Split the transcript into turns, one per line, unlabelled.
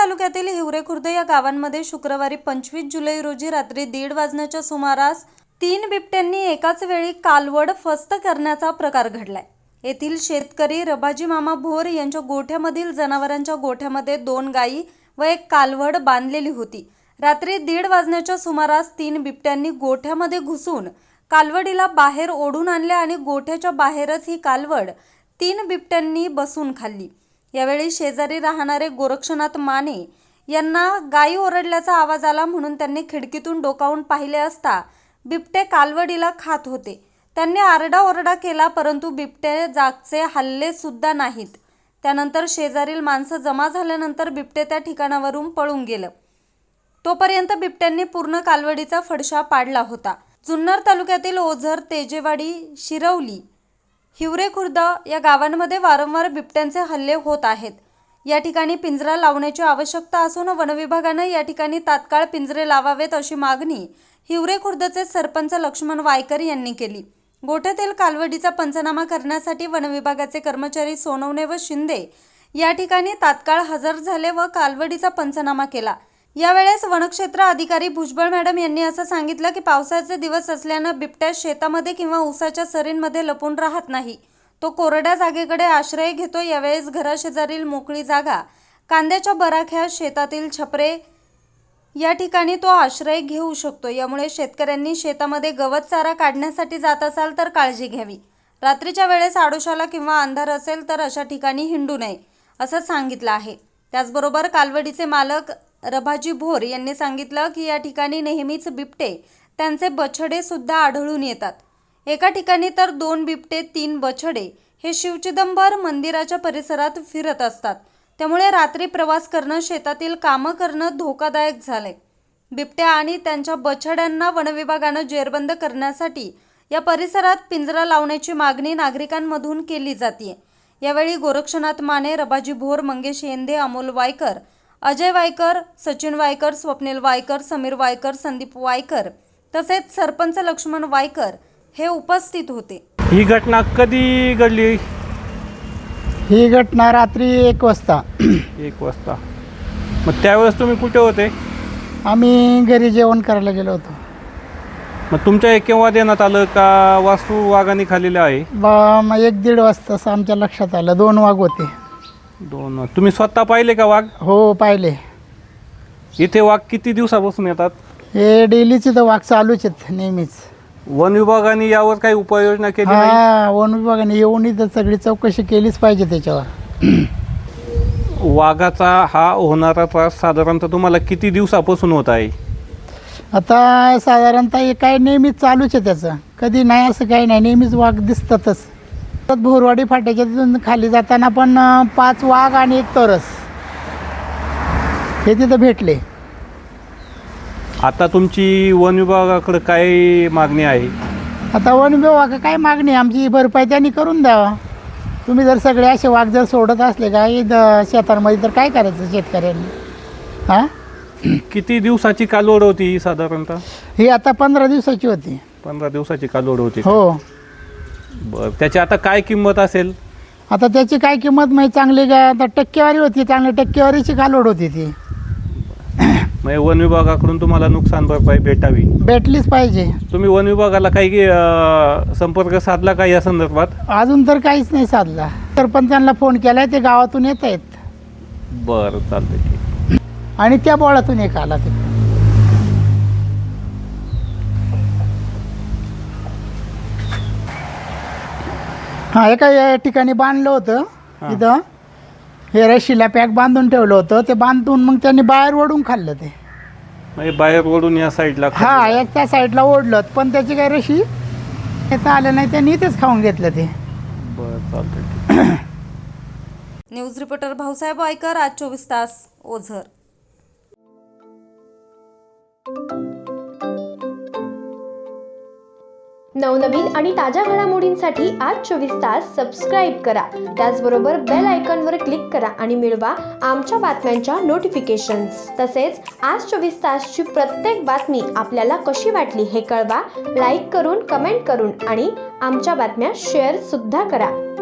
तालुक्यातील हिवरे खुर्द या गावांमध्ये शुक्रवारी 25 जुलै रोजी रात्री 1:30 वाजण्याच्या सुमारास 3 बिबट्यांनी एकाच वेळी कालवड फस्त करण्याचा प्रकार घडलाय। येथील शेतकरी रबाजी मामा भोर यांच्या गोठ्यामधील जनावरांच्या गोठ्यामध्ये 2 गायी व एक कालवड बांधलेली होती। रात्री 1:30 वाजण्याच्या सुमारास 3 बिबट्यांनी गोठ्यामध्ये घुसून कालवडीला बाहेर ओढून आणले आणि गोठ्याच्या बाहेरच ही कालवड 3 बिबट्यांनी बसून खाल्ली। यावेळी शेजारी राहणारे गोरक्षनाथ माने यांना गायी ओरडल्याचा आवाज आला म्हणून त्यांनी खिडकीतून डोकावून पाहिले असता बिबटे कालवडीला खात होते। त्यांनी आरडाओरडा केला परंतु बिबटे जागचे हल्ले सुद्धा नाहीत। त्यानंतर शेजारील माणसं जमा झाल्यानंतर बिबटे त्या ठिकाणावरून पळून गेलं। तोपर्यंत बिबट्यांनी पूर्ण कालवडीचा फडशा पाडला होता। जुन्नर तालुक्यातील ओझर, तेजेवाडी, शिरवली, हिवरे खुर्द या गावांमध्ये वारंवार बिबट्यांचे हल्ले होत आहेत। या ठिकाणी पिंजरा लावण्याची आवश्यकता असून वनविभागानं या ठिकाणी तात्काळ पिंजरे लावावेत अशी मागणी हिवरे खुर्दचे सरपंच लक्ष्मण वायकर यांनी केली। गोठ्यातील कालवडीचा पंचनामा करण्यासाठी वनविभागाचे कर्मचारी सोनवणे व शिंदे या ठिकाणी तात्काळ हजर झाले व कालवडीचा पंचनामा केला। यावेळेस वनक्षेत्र अधिकारी भुजबळ मॅडम यांनी असं सांगितलं की पावसाचे दिवस असल्यानं बिबट्या शेतामध्ये किंवा ऊसाच्या सरींमध्ये लपून राहत नाही, तो कोरड्या जागेकडे आश्रय घेतो। यावेळेस घराशेजारील मोकळी जागा, कांद्याच्या बराख्या, शेतातील छपरे या ठिकाणी तो आश्रय घेऊ शकतो। यामुळे शेतकऱ्यांनी शेतामध्ये गवत चारा काढण्यासाठी जात असाल तर काळजी घ्यावी। रात्रीच्या वेळेस आडोशाला किंवा अंधार असेल तर अशा ठिकाणी हिंडू नये असं सांगितलं आहे। त्याचबरोबर कालवडीचे मालक रबाजी भोर यांनी सांगितलं की या ठिकाणी नेहमीच बिबटे, त्यांचे बछडे सुद्धा आढळून येतात। एका ठिकाणी तर 2 बिबटे, 3 बछडे हे शिवचिदंबर मंदिराच्या परिसरात फिरत असतात। त्यामुळे रात्री प्रवास करणं, शेतातील कामं करणं धोकादायक झालंय। बिबट्या आणि त्यांच्या बछड्यांना वनविभागानं जेरबंद करण्यासाठी या परिसरात पिंजरा लावण्याची मागणी नागरिकांमधून केली जाते। यावेळी गोरक्षनाथ माने, रबाजी भोर, मंगेश येंदे, अमोल वायकर, अजय वायकर, सचिन वायकर, स्वप्नील वायकर, समीर वायकर, संदीप वायकर तसेच सरपंच लक्ष्मण वायकर हे उपस्थित होते।
ही घटना कधी घडली?
ही घटना रात्री 1 वाजता।
1 वाजता। मग त्यावेळेस तुम्ही कुठे होते?
आम्ही घरी जेवण करायला गेलो होतो।
मग तुमच्या हे केव्हा देण्यात आलं का वास्तू वाघाने खाल्लेलं आहे?
मग 1-1.5 वाजता असं आमच्या लक्षात आलं 2 वाघ होते।
2 तुम्ही स्वतः पाहिले का वाघ?
हो, पाहिले।
इथे वाघ किती दिवसापासून येतात?
हे डेलीचे तर वाघ चालूच आहेत नेहमीच।
वन विभागाने यावर काही उपाययोजना केली नाही?
हा, वन विभागाने येऊन इथं सगळी चौकशी केलीच पाहिजे त्याच्यावर।
वाघाचा हा होणारा त्रास साधारणतः तुम्हाला किती दिवसापासून होत आहे?
आता साधारणतः हे काय नेहमीच चालूच आहे त्याचं, कधी नाही असं काही नाही, नेहमीच वाघ दिसतातच। भोरवाडी फाट्याच्या तिथून खाली जाताना पण 5 वाघ आणि 1 तरस हे तिथं भेटले।
आता तुमची वन विभागाकडे काय मागणी आहे?
आता वन विभाग काय मागणी, आमची भरपाई त्यांनी करून द्यावा। तुम्ही जर सगळे असे वाघ जर सोडत असले का शेतांमध्ये तर काय करायचं शेतकऱ्यांनी? हां,
किती दिवसाची कालवड होती ही साधारणतः?
ही आता 15 दिवसाची होती।
15 दिवसाची कालवड होती?
हो।
बरं, त्याची आता काय किंमत असेल?
आता त्याची काय किंमत माहिती, चांगली काय आता टक्केवारी होती, चांगली टक्केवारीची कालवड होती ती।
म्हणजे वन विभागाकडून तुम्हाला नुकसान भरपाई
भेटलीच पाहिजे।
तुम्ही वन विभागाला काही संपर्क साधला का या संदर्भात?
अजून तर काहीच नाही साधला। सरपंचांना फोन केलाय, ते गावातून येत आहेत।
बरं, चालतंय, ठीक।
आणि त्या बोळातून एक आला ते। हा, एका या ठिकाणी बांधलं होतं, इथं हे रशीला पॅक बांधून ठेवलं होतं, ते बांधून मग त्यांनी बाहेर ओढून खाल्लं ते।
म्हणजे बाहेर ओढून या साईडला?
हा, या त्या साईडला ओढलं पण त्याची काही रशी येता आलं नाही, त्यांनी इथेच खाऊन घेतलं ते।
बरं, चालतंय।
न्यूज रिपोर्टर भाऊसाहेब वायकर, आज 24 तास, ओझर।
नवनवीन आणि ताज्या घडामोडींसाठी आज 24 तास सबस्क्राईब करा। त्याचबरोबर बेल आयकॉनवर क्लिक करा आणि मिळवा आमच्या बातम्यांच्या नोटिफिकेशन्स। तसेच आज 24 तासची प्रत्येक बातमी आपल्याला कशी वाटली हे कळवा, लाईक करून, कमेंट करून आणि आमच्या बातम्या शेअर सुद्धा करा।